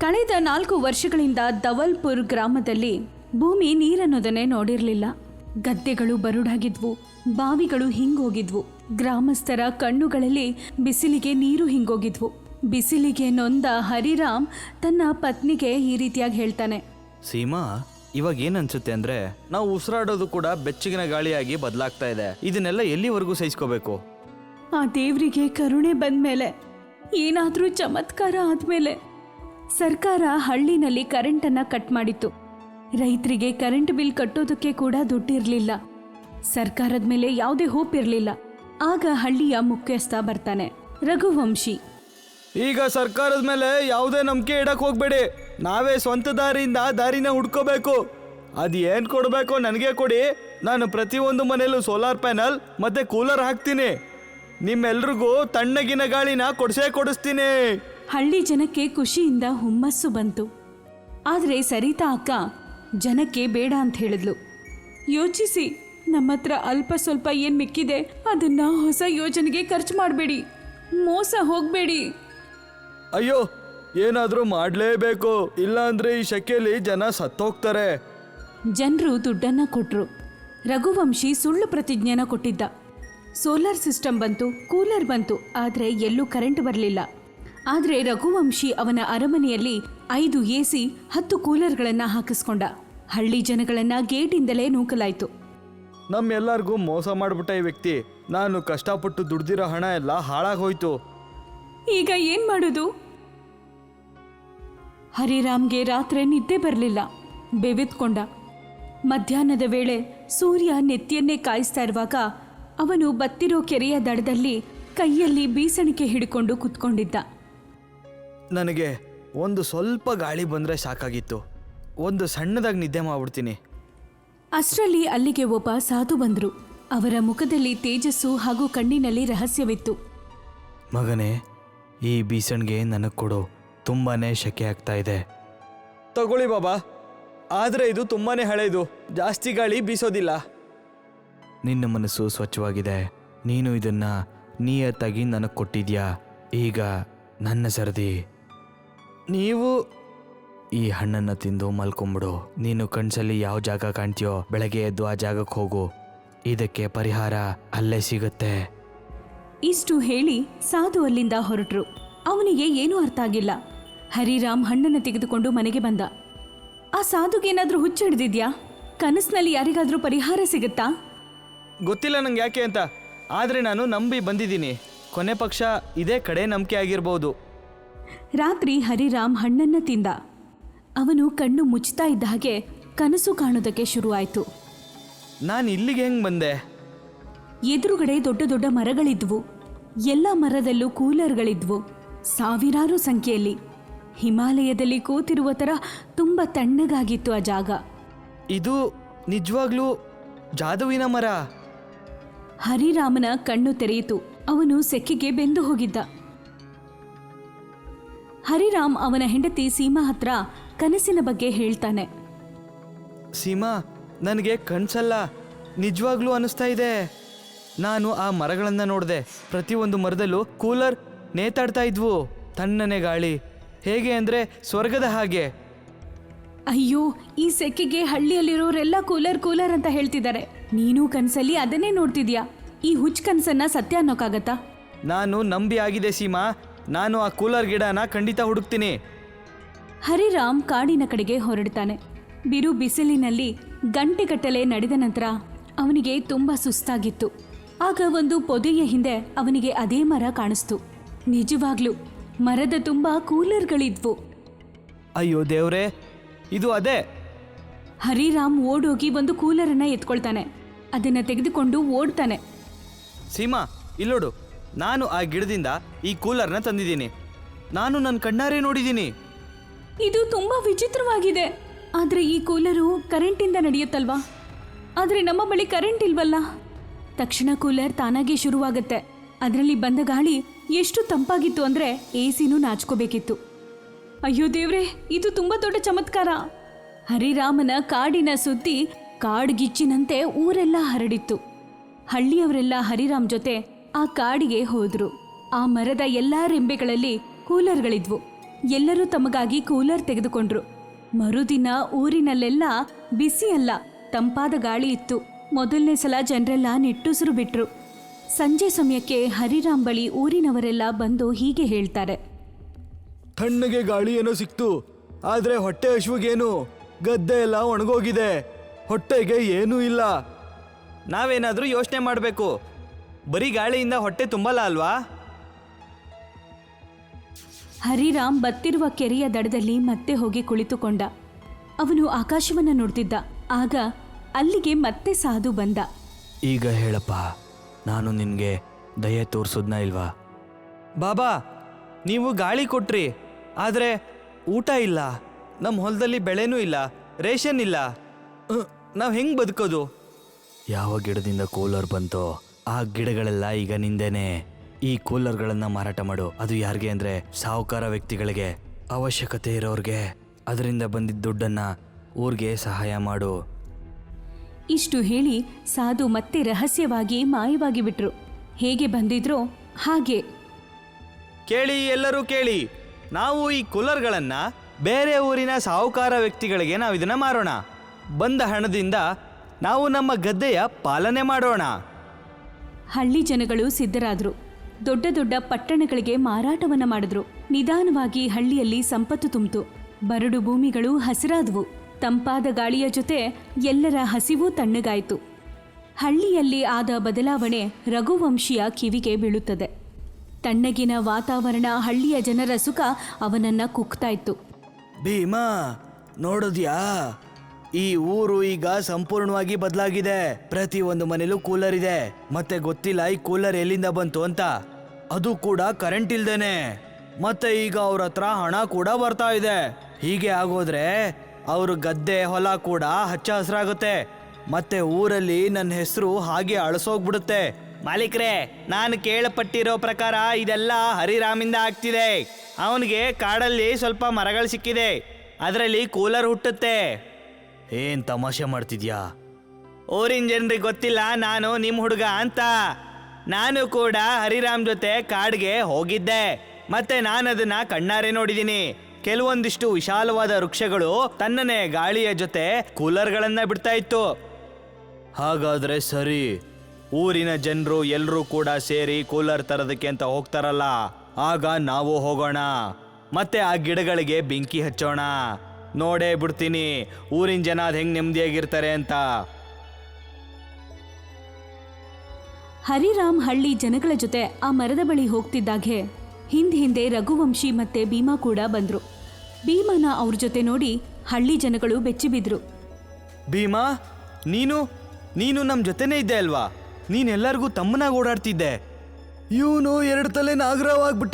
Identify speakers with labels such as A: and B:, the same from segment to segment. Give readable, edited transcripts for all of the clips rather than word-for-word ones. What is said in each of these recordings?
A: ಕಳೆದ 4 ವರ್ಷಗಳಿಂದ ದವಲ್ಪುರ್ ಗ್ರಾಮದಲ್ಲಿ ಭೂಮಿ ನೀರನ್ನೋದನ್ನೇ ನೋಡಿರಲಿಲ್ಲ. ಗದ್ದೆಗಳು ಬರುಡಾಗಿದ್ವು, ಬಾವಿಗಳು ಹಿಂಗೋಗಿದ್ವು. ಗ್ರಾಮಸ್ಥರ ಕಣ್ಣುಗಳಲ್ಲಿ ಬಿಸಿಲಿಗೆ ನೀರು ಹಿಂಗೋಗಿದ್ವು. ಬಿಸಿಲಿಗೆ ನೊಂದ ಹರಿರಾಮ್ ತನ್ನ ಪತ್ನಿಗೆ ಈ ರೀತಿಯಾಗಿ ಹೇಳ್ತಾನೆ.
B: ಸೀಮಾ, ಇವಾಗ ಏನನ್ಸುತ್ತೆ ಅಂದ್ರೆ ನಾವು ಉಸಿರಾಡೋದು ಕೂಡ ಬೆಚ್ಚಗಿನ ಗಾಳಿಯಾಗಿ ಬದಲಾಗ್ತಾ ಇದೆ. ಇದನ್ನೆಲ್ಲ ಎಲ್ಲಿವರೆಗೂ ಸಹಿಸ್ಕೋಬೇಕು?
A: ಆ ದೇವರಿಗೆ ಕರುಣೆ ಬಂದ್ಮೇಲೆ, ಏನಾದ್ರೂ ಚಮತ್ಕಾರ ಆದ್ಮೇಲೆ ಸರ್ಕಾರ ಹಳ್ಳಿನಲ್ಲಿ ಕರೆಂಟನ್ನ ಕಟ್ ಮಾಡಿತ್ತು. ರೈತರಿಗೆ ಕರೆಂಟ್ ಬಿಲ್ ಕಟ್ಟೋದಕ್ಕೆ ಕೂಡ ದುಡ್ಡಿರ್ಲಿಲ್ಲ. ಸರ್ಕಾರದ ಮೇಲೆ ಯಾವುದೇ ಹೋಪ್ ಇರಲಿಲ್ಲ. ಆಗ ಹಳ್ಳಿಯ ಮುಖ್ಯಸ್ಥ ಬರ್ತಾನೆ, ರಘುವಂಶಿ.
B: ಈಗ ಸರ್ಕಾರದ ಮೇಲೆ ಯಾವುದೇ ನಂಬಿಕೆ ಇಡಕ್ ಹೋಗ್ಬೇಡಿ. ನಾವೇ ಸ್ವಂತ ದಾರಿನ ಹುಡ್ಕೋಬೇಕು. ಅದು ಏನು ಕೊಡಬೇಕೋ ನನಗೆ ಕೊಡಿ. ನಾನು ಪ್ರತಿಯೊಂದು ಮನೆಯಲ್ಲೂ ಸೋಲಾರ್ ಪ್ಯಾನಲ್ ಮತ್ತೆ ಕೂಲರ್ ಹಾಕ್ತೀನಿ. ನಿಮ್ಮೆಲ್ರಿಗೂ ತಣ್ಣಗಿನ ಗಾಳಿನ ಕೊಡಿಸ್ತೀನಿ.
A: ಹಳ್ಳಿ ಜನಕ್ಕೆ ಖುಷಿಯಿಂದ ಹುಮ್ಮಸ್ಸು ಬಂತು. ಆದರೆ ಸರಿತಾ ಅಕ್ಕ ಜನಕ್ಕೆ ಬೇಡ ಅಂತ ಹೇಳಿದ್ಲು. ಯೋಚಿಸಿ, ನಮ್ಮ ಹತ್ರ ಅಲ್ಪ ಸ್ವಲ್ಪ ಏನು ಮಿಕ್ಕಿದೆ ಅದನ್ನ ಹೊಸ ಯೋಜನೆಗೆ ಖರ್ಚು ಮಾಡಬೇಡಿ, ಮೋಸ ಹೋಗಬೇಡಿ.
B: ಅಯ್ಯೋ, ಏನಾದರೂ ಮಾಡಲೇಬೇಕು, ಇಲ್ಲ ಅಂದ್ರೆ ಈ ಶೆಕೆಯಲ್ಲಿ ಜನ ಸತ್ತೋಗ್ತಾರೆ.
A: ಜನರು ದುಡ್ಡನ್ನ ಕೊಟ್ರು. ರಘುವಂಶಿ ಸುಳ್ಳು ಪ್ರತಿಜ್ಞೆನ ಕೊಟ್ಟಿದ್ದ. ಸೋಲಾರ್ ಸಿಸ್ಟಮ್ ಬಂತು, ಕೂಲರ್ ಬಂತು, ಆದರೆ ಎಲ್ಲೂ ಕರೆಂಟ್ ಬರಲಿಲ್ಲ. ಆದರೆ ರಘುವಂಶಿ ಅವನ ಅರಮನೆಯಲ್ಲಿ 5 AC 10 ಕೂಲರ್ಗಳನ್ನು ಹಾಕಿಸ್ಕೊಂಡ. ಹಳ್ಳಿ ಜನಗಳನ್ನ ಗೇಟಿಂದಲೇ ನೂಕಲಾಯಿತು.
B: ನಮ್ಮೆಲ್ಲರಿಗೂ ಮೋಸ ಮಾಡಿಬಿಟ್ಟ ಈ ವ್ಯಕ್ತಿ. ನಾನು ಕಷ್ಟಪಟ್ಟು ದುಡ್ದಿರೋ ಹಣ ಎಲ್ಲ ಹಾಳಾಗೋಯ್ತು.
A: ಈಗ ಏನ್ ಮಾಡೋದು? ಹರಿರಾಮ್ಗೆ ರಾತ್ರಿ ನಿದ್ದೆ ಬರಲಿಲ್ಲ. ಬೆವೆತ್ಕೊಂಡ. ಮಧ್ಯಾಹ್ನದ ವೇಳೆ ಸೂರ್ಯ ನೆತ್ತಿಯನ್ನೇ ಕಾಯಿಸ್ತಾ ಇರುವಾಗ ಅವನು ಬತ್ತಿರೋ ಕೆರೆಯ ದಡದಲ್ಲಿ ಕೈಯಲ್ಲಿ ಬೀಸಣಿಕೆ ಹಿಡ್ಕೊಂಡು ಕುತ್ಕೊಂಡಿದ್ದ.
B: ನನಗೆ ಒಂದು ಸ್ವಲ್ಪ ಗಾಳಿ ಬಂದರೆ ಸಾಕಾಗಿತ್ತು. ಒಂದು ಸಣ್ಣದಾಗಿ ನಿದ್ದೆ ಮಾಡ್ಬಿಡ್ತೀನಿ.
A: ಅಷ್ಟರಲ್ಲಿ ಅಲ್ಲಿಗೆ ಒಬ್ಬ ಸಾಧು ಬಂದರು. ಅವರ ಮುಖದಲ್ಲಿ ತೇಜಸ್ಸು ಹಾಗೂ ಕಣ್ಣಿನಲ್ಲಿ ರಹಸ್ಯವಿತ್ತು.
B: ಮಗನೇ, ಈ ಬೀಸಣಿಗೆ ನನಗೆ ಕೊಡು. ತುಂಬಾನೇ ಶೆಕೆ ಆಗ್ತಾ ಇದೆ. ತಗೊಳ್ಳಿ ಬಾಬಾ, ಆದರೆ ಇದು ತುಂಬಾನೇ ಹಳೆಯದು, ಜಾಸ್ತಿ ಗಾಳಿ ಬೀಸೋದಿಲ್ಲ. ನಿನ್ನ ಮನಸ್ಸು ಸ್ವಚ್ಛವಾಗಿದೆ. ನೀನು ಇದನ್ನ ನಿಯತ್ತಾಗಿ ನನಗೆ ಕೊಟ್ಟಿದ್ಯಾ. ಈಗ ನನ್ನ ಸರದಿ. ನೀವು ಈ ಹಣ್ಣನ್ನು ತಿಂದು ಮಲ್ಕೊಂಬಿಡು. ನೀನು ಕಣ್ಸಲ್ಲಿ ಯಾವ ಜಾಗ ಕಾಣ್ತೀಯೋ ಬೆಳಗ್ಗೆ ಎದ್ದು ಆ ಜಾಗಕ್ಕೆ ಹೋಗು. ಇದಕ್ಕೆ ಪರಿಹಾರ ಅಲ್ಲೇ ಸಿಗುತ್ತೆ.
A: ಇಷ್ಟು ಹೇಳಿ ಸಾಧು ಅಲ್ಲಿಂದ ಹೊರಟರು. ಅವನಿಗೆ ಏನೂ ಅರ್ಥ ಆಗಿಲ್ಲ. ಹರಿರಾಮ್ ಹಣ್ಣನ್ನು ತೆಗೆದುಕೊಂಡು ಮನೆಗೆ ಬಂದ. ಆ ಸಾಧುಗೇನಾದ್ರೂ ಹುಚ್ಚು ಹಿಡಿದಿದ್ಯಾ? ಕನಸಿನಲ್ಲಿ ಯಾರಿಗಾದ್ರೂ ಪರಿಹಾರ ಸಿಗುತ್ತಾ?
B: ಗೊತ್ತಿಲ್ಲ ನಂಗೆ ಯಾಕೆ ಅಂತ, ಆದರೆ ನಾನು ನಂಬಿ ಬಂದಿದ್ದೀನಿ. ಕೊನೆ ಪಕ್ಷ ಇದೇ ಕಡೆ ನಂಬಿಕೆ ಆಗಿರ್ಬೋದು.
A: ರಾತ್ರಿ ಹರಿರಾಮ್ ಹಣ್ಣನ್ನ ತಿಂದ. ಅವನು ಕಣ್ಣು ಮುಚ್ತಾ ಇದ್ದ ಹಾಗೆ ಕನಸು ಕಾಣೋದಕ್ಕೆ ಶುರುವಾಯಿತು.
B: ನಾನು ಇಲ್ಲಿಗೆ ಹೆಂಗೆ ಬಂದೆ?
A: ಎದುರುಗಡೆ ದೊಡ್ಡ ದೊಡ್ಡ ಮರಗಳಿದ್ವು. ಎಲ್ಲ ಮರದಲ್ಲೂ ಕೂಲರ್ಗಳಿದ್ವು, ಸಾವಿರಾರು ಸಂಖ್ಯೆಯಲ್ಲಿ. ಹಿಮಾಲಯದಲ್ಲಿ ಕೂತಿರುವ ಥರ ತುಂಬ ತಣ್ಣಗಾಗಿತ್ತು ಆ ಜಾಗ.
B: ಇದು ನಿಜವಾಗ್ಲೂ ಜಾದುವಿನ ಮರ.
A: ಹರಿರಾಮನ ಕಣ್ಣು ತೆರೆಯಿತು. ಅವನು ಸೆಕ್ಕಿಗೆ ಬೆಂದು ಹೋಗಿದ್ದ. ಹರಿರಾಮ್ ಅವನ ಹೆಂಡತಿ ಸೀಮಾ ಹತ್ರ ಕನಸಿನ ಬಗ್ಗೆ ಹೇಳ್ತಾನೆ.
B: ಸೀಮಾ, ನನಗೆ ಕನ್ಸಲ್ಲ, ನಿಜವಾಗ್ಲೂ ಅನಿಸ್ತಾ ಇದೆ. ನಾನು ಆ ಮರಗಳನ್ನು ನೋಡಿದೆ. ಪ್ರತಿಯೊಂದು ಮರದಲ್ಲೂ ಕೂಲರ್ ನೇತಾಡ್ತಾ ಇದ್ವು. ತಣ್ಣನೆ ಗಾಳಿ, ಹೇಗೆ ಅಂದರೆ ಸ್ವರ್ಗದ ಹಾಗೆ.
A: ಅಯ್ಯೋ, ಈ ಸೆಕ್ಕಿಗೆ ಹಳ್ಳಿಯಲ್ಲಿರೋರೆಲ್ಲ ಕೂಲರ್ ಅಂತ ಹೇಳ್ತಿದ್ದಾರೆ. ನೀನು ಕನಸಲ್ಲಿ ಅದನ್ನೇ ನೋಡ್ತಿದ್ಯಾ? ಈ ಹುಚ್ಚ ಕನಸನ್ನ ಸತ್ಯ ಅನ್ನೋಕ್ಕಾಗತ್ತಾ?
B: ನಾನು ನಂಬಿ ಆಗಿದೆ ಸೀಮಾ. ನಾನು ಆ ಕೂಲರ್ ಗಿಡನ ಖಂಡಿತ ಹುಡುಕ್ತೀನಿ.
A: ಹರಿರಾಮ್ ಕಾಡಿನ ಕಡೆಗೆ ಹೊರಡ್ತಾನೆ. ಬಿರು ಬಿಸಿಲಿನಲ್ಲಿ ಗಂಟೆಗಟ್ಟಲೆ ನಡೆದ ನಂತರ ಅವನಿಗೆ ತುಂಬ ಸುಸ್ತಾಗಿತ್ತು. ಆಗ ಒಂದು ಪೊದೆಯ ಹಿಂದೆ ಅವನಿಗೆ ಅದೇ ಮರ ಕಾಣಿಸ್ತು. ನಿಜವಾಗ್ಲೂ ಮರದ ತುಂಬ ಕೂಲರ್ಗಳಿದ್ವು.
B: ಅಯ್ಯೋ ದೇವ್ರೇ, ಇದು ಅದೇ.
A: ಹರಿರಾಮ್ ಓಡೋಗಿ ಒಂದು ಕೂಲರನ್ನ ಎತ್ಕೊಳ್ತಾನೆ. ಅದನ್ನ ತೆಗೆದುಕೊಂಡು ಓಡ್ತಾನೆ.
B: ಸೀಮಾ, ಇಲ್ಲೋಡು, ನಾನು ಆ ಗಿಡದಿಂದ ಈ ಕೂಲರ್ನ ತಂದಿದ್ದೀನಿ. ನಾನು ನನ್ನ ಕಣ್ಣಾರೆ ನೋಡಿದ್ದೀನಿ.
A: ಇದು ತುಂಬಾ ವಿಚಿತ್ರವಾಗಿದೆ. ಆದ್ರೆ ಈ ಕೂಲರು ಕರೆಂಟಿಂದ ನಡೆಯುತ್ತಲ್ವಾ? ಆದ್ರೆ ನಮ್ಮ ಬಳಿ ಕರೆಂಟ್ ಇಲ್ವಲ್ಲ. ತಕ್ಷಣ ಕೂಲರ್ ತಾನಾಗೆ ಶುರುವಾಗುತ್ತೆ. ಅದರಲ್ಲಿ ಬಂದ ಗಾಳಿ ಎಷ್ಟು ತಂಪಾಗಿತ್ತು ಅಂದ್ರೆ AC ನಾಚ್ಕೋಬೇಕಿತ್ತು. ಅಯ್ಯೋ ದೇವ್ರೆ, ಇದು ತುಂಬಾ ದೊಡ್ಡ ಚಮತ್ಕಾರ. ಹರಿರಾಮನ ಕಾಡಿನ ಸುದ್ದಿ ಕಾಡ್ಗಿಚ್ಚಿನಂತೆ ಊರೆಲ್ಲ ಹರಡಿತ್ತು. ಹಳ್ಳಿಯವರೆಲ್ಲ ಹರಿರಾಮ್ ಜೊತೆ ಆ ಕಾಡಿಗೆ ಹೋದ್ರು. ಆ ಮರದ ಎಲ್ಲಾ ರೆಂಬೆಗಳಲ್ಲಿ ಕೂಲರ್ಗಳಿದ್ವು. ಎಲ್ಲರೂ ತಮಗಾಗಿ ಕೂಲರ್ ತೆಗೆದುಕೊಂಡ್ರು. ಮರುದಿನ ಊರಿನಲ್ಲೆಲ್ಲ ಬಿಸಿ ಅಲ್ಲ, ತಂಪಾದ ಗಾಳಿ ಇತ್ತು. ಮೊದಲನೇ ಸಲ ಜನರೆಲ್ಲ ನಿಟ್ಟುಸಿರು ಬಿಟ್ರು. ಸಂಜೆ ಸಮಯಕ್ಕೆ ಹರಿರಾಮ್ ಬಳಿ ಊರಿನವರೆಲ್ಲ ಬಂದು ಹೀಗೆ ಹೇಳ್ತಾರೆ.
B: ತಣ್ಣಗೆ ಗಾಳಿ ಏನೋ ಸಿಕ್ತು, ಆದ್ರೆ ಹೊಟ್ಟೆ ಹಶುವಿಗೇನು? ಗದ್ದೆ ಎಲ್ಲ ಒಣಗೋಗಿದೆ, ಹೊಟ್ಟೆಗೆ ಏನೂ ಇಲ್ಲ. ನಾವೇನಾದ್ರೂ ಯೋಚನೆ ಮಾಡಬೇಕು. ಬರೀ ಗಾಳಿಯಿಂದ ಹೊಟ್ಟೆ ತುಂಬಲ್ಲ ಅಲ್ವಾ?
A: ಹರಿರಾಮ್ ಬತ್ತಿರುವ ಕೆರೆಯ ದಡದಲ್ಲಿ ಮತ್ತೆ ಹೋಗಿ ಕುಳಿತುಕೊಂಡ. ಅವನು ಆಕಾಶವನ್ನ ನೋಡ್ತಿದ್ದ. ಆಗ ಅಲ್ಲಿಗೆ ಮತ್ತೆ ಸಾಧು ಬಂದ.
B: ಈಗ ಹೇಳಪ್ಪ, ನಾನು ನಿನಗೆ ದಯೆ ತೋರಿಸೋದ್ನ ಇಲ್ವಾ? ಬಾಬಾ, ನೀವು ಗಾಳಿ ಕೊಟ್ರಿ, ಆದರೆ ಊಟ ಇಲ್ಲ, ನಮ್ಮ ಹೊಲದಲ್ಲಿ ಬೆಳೆನೂ ಇಲ್ಲ, ರೇಷನ್ ಇಲ್ಲ. ನಾವು ಹೆಂಗೆ ಬದುಕೋದು? ಯಾವ ಗಿಡದಿಂದ ಕೂಲರ್ ಬಂತೋ ಆ ಗಿಡಗಳೆಲ್ಲ ಈಗ ನಿಂದೇನೆ. ಈ ಕೂಲರ್ಗಳನ್ನು ಮಾರಾಟ ಮಾಡು. ಅದು ಯಾರಿಗೆ ಅಂದರೆ ಸಾಹುಕಾರ ವ್ಯಕ್ತಿಗಳಿಗೆ, ಅವಶ್ಯಕತೆ ಇರೋರಿಗೆ. ಅದರಿಂದ ಬಂದಿದ್ದ ದುಡ್ಡನ್ನು ಊರಿಗೆ ಸಹಾಯ ಮಾಡು.
A: ಇಷ್ಟು ಹೇಳಿ ಸಾಧು ಮತ್ತೆ ರಹಸ್ಯವಾಗಿ ಮಾಯವಾಗಿ ಬಿಟ್ರು. ಹೇಗೆ ಬಂದಿದ್ರೋ ಹಾಗೆ.
B: ಕೇಳಿ, ಎಲ್ಲರೂ ಕೇಳಿ, ನಾವು ಈ ಕೂಲರ್ಗಳನ್ನು ಬೇರೆ ಊರಿನ ಸಾಹುಕಾರ ವ್ಯಕ್ತಿಗಳಿಗೆ ನಾವು ಇದನ್ನು ಮಾರೋಣ. ಬಂದ ಹಣದಿಂದ ನಾವು ನಮ್ಮ ಗದ್ದೆಯ ಪಾಲನೆ ಮಾಡೋಣ.
A: ಹಳ್ಳಿ ಜನಗಳು ಸಿದ್ಧರಾದ್ರು. ದೊಡ್ಡ ದೊಡ್ಡ ಪಟ್ಟಣಗಳಿಗೆ ಮಾರಾಟವನ್ನ ಮಾಡಿದ್ರು. ನಿಧಾನವಾಗಿ ಹಳ್ಳಿಯಲ್ಲಿ ಸಂಪತ್ತು ತುಂಬಿತು. ಬರಡು ಭೂಮಿಗಳು ಹಸಿರಾದವು. ತಂಪಾದ ಗಾಳಿಯ ಜೊತೆ ಎಲ್ಲರ ಹಸಿವು ತಣ್ಣಗಾಯಿತು. ಹಳ್ಳಿಯಲ್ಲಿ ಆದ ಬದಲಾವಣೆ ರಘುವಂಶಿಯ ಕಿವಿಗೆ ಬೀಳುತ್ತದೆ. ತಣ್ಣಗಿನ ವಾತಾವರಣ, ಹಳ್ಳಿಯ ಜನರ ಸುಖ ಅವನನ್ನ ಕುಗ್ತಾ ಇತ್ತು.
B: ಭೀಮಾ, ನೋಡಿದ್ಯಾ? ಈ ಊರು ಈಗ ಸಂಪೂರ್ಣವಾಗಿ ಬದಲಾಗಿದೆ. ಪ್ರತಿ ಒಂದು ಮನೇಲೂ ಕೂಲರ್ ಇದೆ. ಮತ್ತೆ ಗೊತ್ತಿಲ್ಲ ಈ ಕೂಲರ್ ಎಲ್ಲಿಂದ ಬಂತು ಅಂತ. ಅದು ಕೂಡ ಕರೆಂಟ್ ಇಲ್ದೇನೆ. ಮತ್ತೆ ಈಗ ಅವ್ರ ಹತ್ರ ಹಣ ಕೂಡ ಬರ್ತಾ ಇದೆ. ಹೀಗೆ ಆಗೋದ್ರೆ ಅವ್ರ ಗದ್ದೆ ಹೊಲ ಕೂಡ ಹಚ್ಚ ಹಸಿರಾಗುತ್ತೆ. ಮತ್ತೆ ಊರಲ್ಲಿ ನನ್ನ ಹೆಸರು ಹಾಗೆ ಅಳಸೋಗ್ಬಿಡುತ್ತೆ. ಮಾಲೀಕ್ರೆ, ನಾನು ಕೇಳಪಟ್ಟಿರೋ ಪ್ರಕಾರ ಇದೆಲ್ಲ ಹರಿರಾಮಿಂದ ಆಗ್ತಿದೆ. ಅವನಿಗೆ ಕಾಡಲ್ಲಿ ಸ್ವಲ್ಪ ಮರಗಳು ಸಿಕ್ಕಿದೆ, ಅದರಲ್ಲಿ ಕೂಲರ್ ಹುಟ್ಟುತ್ತೆ. ಏನ್ ತಮಾಷೆ ಮಾಡ್ತಿದ್ಯಾ? ಊರಿನ ಜನರಿಗೆ ಗೊತ್ತಿಲ್ಲ ನಾನು ನಿಮ್ಮ ಹುಡುಗ ಅಂತ. ನಾನು ಕೂಡ ಹರಿರಾಮ್ ಜೊತೆ ಕಾಡ್ಗೆ ಹೋಗಿದ್ದೆ. ಮತ್ತೆ ನಾನು ಅದನ್ನ ಕಣ್ಣಾರೆ ನೋಡಿದ್ದೀನಿ. ಕೆಲವೊಂದಿಷ್ಟು ವಿಶಾಲವಾದ ವೃಕ್ಷಗಳು ತನ್ನನೇ ಗಾಳಿಯ ಜೊತೆ ಕೂಲರ್ಗಳನ್ನ ಬಿಡ್ತಾ ಇತ್ತು. ಹಾಗಾದ್ರೆ ಸರಿ, ಊರಿನ ಜನರು ಎಲ್ಲರೂ ಕೂಡ ಸೇರಿ ಕೂಲರ್ ತರೋದಕ್ಕೆ ಅಂತ ಹೋಗ್ತಾರಲ್ಲ, ಆಗ ನಾವು ಹೋಗೋಣ. ಮತ್ತೆ ಆ ಗಿಡಗಳಿಗೆ ಬೆಂಕಿ ಹಚ್ಚೋಣ. ನೋಡೇ ಬಿಡ್ತೀನಿ ಊರಿನ ಜನ ಅದು ಹೆಂಗ್ ನೆಮ್ಮದಿಯಾಗಿರ್ತಾರೆ ಅಂತ.
A: ಹರಿರಾಮ್ ಹಳ್ಳಿ ಜನಗಳ ಜೊತೆ ಆ ಮರದ ಬಳಿ ಹೋಗ್ತಿದ್ದಾಗೆ ಹಿಂದೆ ರಘುವಂಶಿ ಮತ್ತೆ ಭೀಮಾ ಕೂಡ ಬಂದ್ರು. ಭೀಮನ ಅವ್ರ ಜೊತೆ ನೋಡಿ ಹಳ್ಳಿ ಜನಗಳು ಬೆಚ್ಚಿಬಿದ್ರು.
B: ಭೀಮಾ, ನೀನು ನಮ್ಮ ಜೊತೆನೇ ಇದ್ದೆ ಅಲ್ವಾ? ನೀನೆಲ್ಲರಿಗೂ ತಮ್ಮನಾಗಿ ಓಡಾಡ್ತಿದ್ದೆ. ಇವನು 2 ತಲೆ ನಾಗರವಾಗ್ಬಿಟ್ಟ.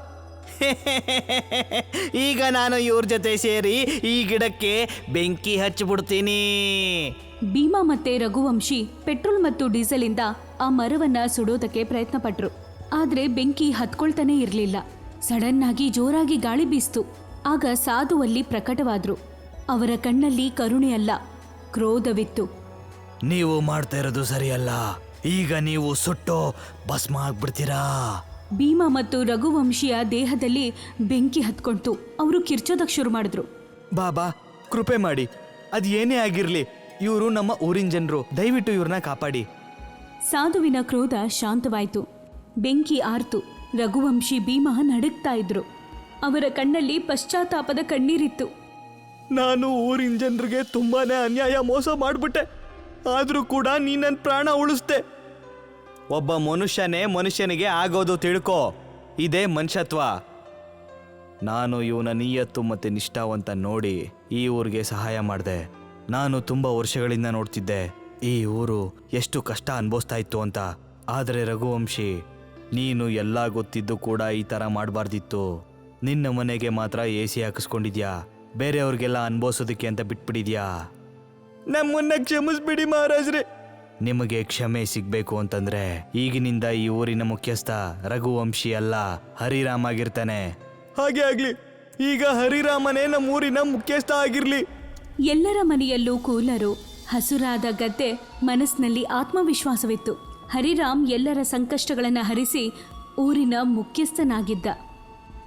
B: ಈಗ ನಾನು ಇವ್ರ ಜೊತೆ ಸೇರಿ ಈ ಗಿಡಕ್ಕೆ ಬೆಂಕಿ ಹಚ್ಚಿಬಿಡ್ತೀನಿ.
A: ಭೀಮಾ ಮತ್ತೆ ರಘುವಂಶಿ ಪೆಟ್ರೋಲ್ ಮತ್ತು ಡೀಸೆಲ್ ಇಂದ ಆ ಮರವನ್ನ ಸುಡೋದಕ್ಕೆ ಪ್ರಯತ್ನ ಪಟ್ರು. ಆದ್ರೆ ಬೆಂಕಿ ಹತ್ಕೊಳ್ತಾನೆ ಇರ್ಲಿಲ್ಲ. ಸಡನ್ ಆಗಿ ಜೋರಾಗಿ ಗಾಳಿ ಬೀಸ್ತು. ಆಗ ಸಾಧು ಅಲ್ಲಿ ಪ್ರಕಟವಾದ್ರು. ಅವರ ಕಣ್ಣಲ್ಲಿ ಕರುಣೆ ಅಲ್ಲ, ಕ್ರೋಧವಿತ್ತು.
B: ನೀವು ಮಾಡ್ತಾ ಇರೋದು ಸರಿಯಲ್ಲ. ಈಗ ನೀವು ಸುಟ್ಟು ಭಸ್ಮ ಆಗ್ಬಿಡ್ತೀರಾ.
A: ಭೀಮಾ ಮತ್ತು ರಘುವಂಶಿಯ ದೇಹದಲ್ಲಿ ಬೆಂಕಿ ಹತ್ಕೊಂತು. ಅವರು ಕಿರ್ಚೋದಕ್ಕೆ ಶುರು ಮಾಡಿದ್ರು.
B: ಬಾಬಾ, ಕೃಪೆ ಮಾಡಿ, ಅದು ಏನೇ ಆಗಿರ್ಲಿ, ಇವರು ನಮ್ಮ ಊರಿನ ಜನರು, ದಯವಿಟ್ಟು ಇವ್ರನ್ನ ಕಾಪಾಡಿ.
A: ಸಾಧುವಿನ ಕ್ರೋಧ ಶಾಂತವಾಯಿತು. ಬೆಂಕಿ ಆರ್ತು. ರಘುವಂಶಿ ಭೀಮಾ ನಡುಗ್ತಾ ಇದ್ರು. ಅವರ ಕಣ್ಣಲ್ಲಿ ಪಶ್ಚಾತ್ತಾಪದ ಕಣ್ಣೀರಿತ್ತು.
B: ನಾನು ಊರಿನ ಜನರಿಗೆ ತುಂಬಾನೇ ಅನ್ಯಾಯ, ಮೋಸ ಮಾಡ್ಬಿಟ್ಟೆ. ಆದ್ರೂ ಕೂಡ ನೀ ನನ್ನ ಪ್ರಾಣ ಉಳಿಸ್ದೆ. ಒಬ್ಬ ಮನುಷ್ಯನಿಗೆ ಆಗೋದು ತಿಳ್ಕೊ. ಇದೇ ಮನುಷ್ಯತ್ವ. ನಾನು ಇವನ ನಿಯತ್ತು ಮತ್ತೆ ನಿಷ್ಠಾವಂತ ನೋಡಿ ಈ ಊರಿಗೆ ಸಹಾಯ ಮಾಡಿದೆ. ನಾನು ತುಂಬಾ ವರ್ಷಗಳಿಂದ ನೋಡ್ತಿದ್ದೆ ಈ ಊರು ಎಷ್ಟು ಕಷ್ಟ ಅನುಭವಿಸ್ತಾ ಇತ್ತು ಅಂತ. ಆದರೆ ರಘುವಂಶಿ, ನೀನು ಎಲ್ಲ ಗೊತ್ತಿದ್ದು ಕೂಡ ಈ ಥರ ಮಾಡಬಾರ್ದಿತ್ತು. ನಿನ್ನ ಮನೆಗೆ ಮಾತ್ರ AC ಹಾಕಿಸ್ಕೊಂಡಿದ್ಯಾ, ಬೇರೆಯವ್ರಿಗೆಲ್ಲ ಅನುಭವಿಸೋದಕ್ಕೆ ಅಂತ ಬಿಟ್ಬಿಟ್ಟಿದ್ಯಾ. ನಮ್ಮನ್ನ ಕ್ಷಮಿಸ್ಬಿಡಿ ಮಹಾರಾಜ್ರೆ. ನಿಮಗೆ ಕ್ಷಮೆ ಸಿಗ್ಬೇಕು ಅಂತಂದ್ರೆ ಈಗಿನಿಂದ ಈ ಊರಿನ ಮುಖ್ಯಸ್ಥ ರಘುವಂಶಿ ಅಲ್ಲ, ಹರಿರಾಮ್ ಆಗಿರ್ತಾನೆ. ಹಾಗೆ ಆಗ್ಲಿ. ಈಗ ಹರಿರಾಮನೇ ನಮ್ಮ ಊರಿನ ಮುಖ್ಯಸ್ಥ ಆಗಿರ್ಲಿ.
A: ಎಲ್ಲರ ಮನೆಯಲ್ಲೂ ಕೂಲರು, ಹಸುರಾದ ಗದ್ದೆ, ಮನಸ್ಸಿನಲ್ಲಿ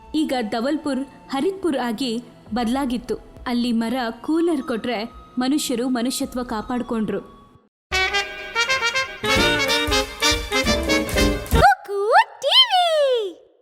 A: ಈಗ ಧವಲ್ಪುರ್ ಹರಿದ್ಪುರ್ ಆಗಿ ಬದಲಾಗಿತ್ತು. ಅಲ್ಲಿ ಮರ ಕೂಲರ್ ಕೊಟ್ರೆ ಮನುಷ್ಯರು ಮನುಷ್ಯತ್ವ ಕಾಪಾಡ್ಕೊಂಡ್ರು.